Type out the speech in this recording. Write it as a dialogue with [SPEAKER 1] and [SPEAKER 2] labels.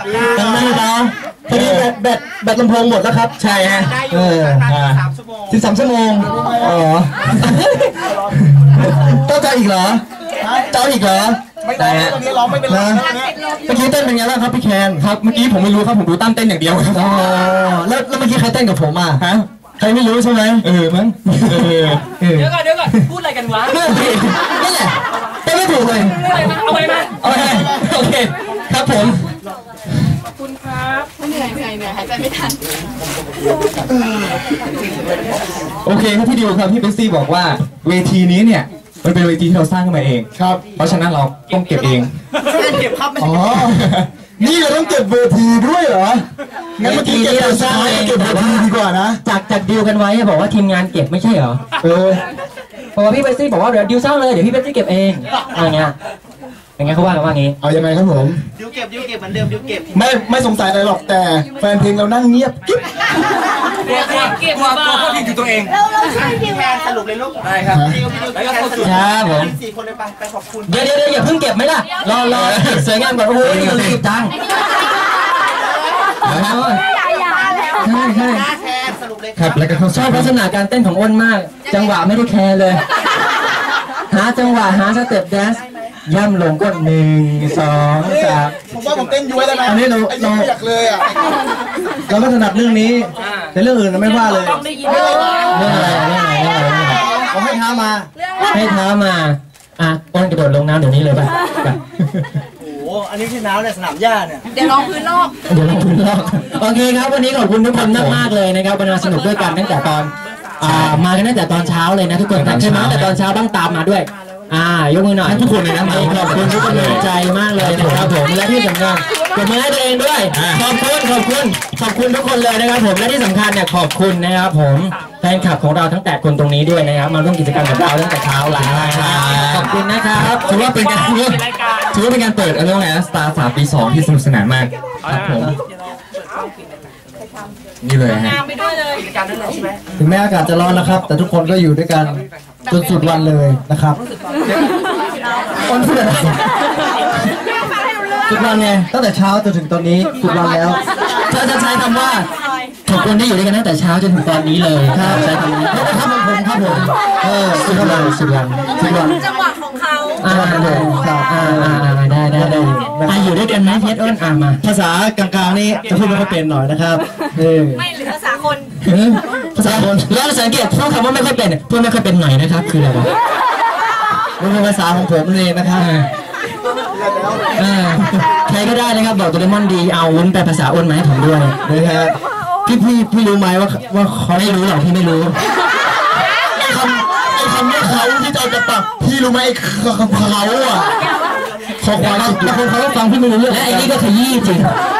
[SPEAKER 1] ตั้งนานเปล่าพอดีแบตลำโพงหมดแล้วครับใช่ฮะ13 ชั่วโมงอ๋อต้องเจ้าอีกเหรอเจ้าอีกเหรอไม่ได้ฮะร้องไม่เป็นไรเมื่อกี้เต้นเป็นไงบ้างครับพี่แคนครับเมื่อกี้ผมไม่รู้ครับผมดูตั้มเต้นอย่างเดียวครับอ๋อแล้วเมื่อกี้ใครเต้นกับผมอ่ะฮะใครไม่รู้ใช่ไหมมั้ง
[SPEAKER 2] เดี๋ยวก่อนพูดอะไรกันวะ
[SPEAKER 1] นี่แหละเต้นไม่ถูกเลย
[SPEAKER 2] เอาไปมา
[SPEAKER 1] โอเคครับผม
[SPEAKER 2] ขอบคุณครับ
[SPEAKER 3] เหนื่อยหายใจไม่ทัน
[SPEAKER 1] โอเคครับพี่ดิวครับพี่เบสซี่บอกว่าเวทีนี้เนี่ยมันเป็นเวทีที่เราสร้างขึ้นมาเองครับเพราะฉะนั้นเราต้องเก็บเอง
[SPEAKER 2] เก็บครับ
[SPEAKER 1] อ๋อนี่เราต้องเก็บเวทีด้วยเหรองั้นเมื่อกี้เราสร้างเองเก็บเวทีดีกว่านะ
[SPEAKER 4] จากดิวกันไว้บอกว่าทีมงานเก็บไม่ใช่เหรอเพราะว่าพี่เบสซี่บอกว่าเดี๋ยวดิวสร้างเลยเดี๋ยวพี่เบสซี่เก็บเองอะไรเงี้ยอย่างเงี้ยเขาว่ากันว่างี้
[SPEAKER 1] เอายังไงครับผม
[SPEAKER 2] ดิวเก็บเหมือนเดิมดิวเก็บ
[SPEAKER 1] ไม่สงสัยอะไรหรอกแต่แฟนเพลงเรานั่งเงียบกิ๊บ
[SPEAKER 2] เก็บว่าตัวเขาผิดอยู่ตัวเอง
[SPEAKER 3] เราช่วยดิว
[SPEAKER 2] สรุปเลยลูกได้ครับแล้วก็สรุป
[SPEAKER 4] ครับผม
[SPEAKER 2] 4 คนเลยไปขอบคุณ
[SPEAKER 4] เดี๋ยวอย่าเพิ่งเก็บไหมล่ะรอสวยงามก่อนโอ้ยเรารีบจังใช่ครับแล้วก็ชอบลักษณะการเต้นของอ้นมากจังหวะไม่ได้แคร์เลยหาจังหวะหาสเต็ปแดนซ์ย่ำลงก็1 2 3
[SPEAKER 1] ผมว่าผมเต้นย้วยแล้วนะอันนี้เราอยากเลยอ่ะเราก็ถนัดเรื่องนี้แต่เรื่องอื่นเราไม่ว่าเลยเรื่องอะไรผมให้ท้ามา
[SPEAKER 4] อ้นกระโดดลงน้ำเดี๋ยวนี้เลยป่ะ
[SPEAKER 2] โอ้อันนี้ที่น้ำเนี่ยสนามหญ้าเนี่ย
[SPEAKER 3] เดี๋ยวลองพื้นโลก
[SPEAKER 4] โอเคครับวันนี้ขอบคุณทุกคนมากเลยนะครับวันนี้สนุกด้วยกันตั้งแต่ตอนมากันตั้งแต่ตอนเช้าเลยนะทุกคนใช่ไหมแต่ตอนเช้าต้องตามมาด้วยยกมือหน่อย
[SPEAKER 1] ทุกคนเลยนะ
[SPEAKER 4] ขอบคุณทุกคนใจมากเลยนะครับผมและที่สำคัญกดมือให้ตัวเองด้วยขอบคุณทุกคนเลยนะครับผมและที่สำคัญเนี่ยขอบคุณนะครับผมแฟนคลับของเราทั้ง8 คนตรงนี้ด้วยนะครับมาร่วมกิจกรรมกับเราตั้งแต่เช้าเลยขอบคุณนะครับ
[SPEAKER 1] ถือว่าเป็นการเปิดอะไรนะ Star 3 ปี 2ที่สนุกสนานมากครับผมนี่เลยฮะถึงแม้อากาศจะร้อนนะครับแต่ทุกคนก็อยู่ด้วยกันจนสุดวันเลยนะครับคนพูดอะไรสุดวันไงตั้งแต่เช้าจนถึงตอนนี้สุดวันแล้ว
[SPEAKER 4] ถ้าจะใช้คำว่าทุกคนที่อยู่ด้วยกันตั้งแต่เช้าจนถึงตอนนี้เลยครับใช้คำนี้
[SPEAKER 1] ครับผมสุดวัน
[SPEAKER 3] จังหวะของเขา
[SPEAKER 4] ได้อยู่ด้วยกันไหมเพชรอ้นมา
[SPEAKER 1] ภาษากลางๆนี่จะพูดไม่ค่อยเป็นหน่อยนะครับ
[SPEAKER 3] ไม่หรือภาษาคน
[SPEAKER 4] แล้วสังเกตพูดคำว่าไม่ค่อยเป็นพูดไม่ค่อยเป็นหน่อยนะครับคืออะไรวะ
[SPEAKER 1] มันเป็นภาษาของผมเองนะครับ
[SPEAKER 4] ใครก็ได้นะครับบอกโดเรมอนดีเอาวุ้นแปลภาษาอ้นมาให้ผมด้วย
[SPEAKER 1] นะครับพี่รู้ไหมว่าเขา
[SPEAKER 4] ไม่รู้หรอกพี่ไม่รู้
[SPEAKER 1] ไอ้คำว่าเขาที่จะปักพี่รู้ไหมไอ้เขาอ่ะ
[SPEAKER 4] ขอความสุขบางคนเขาก็ฟังพี่ไม่รู้เรื่องและไอ้นี่ก็ขยี้จริง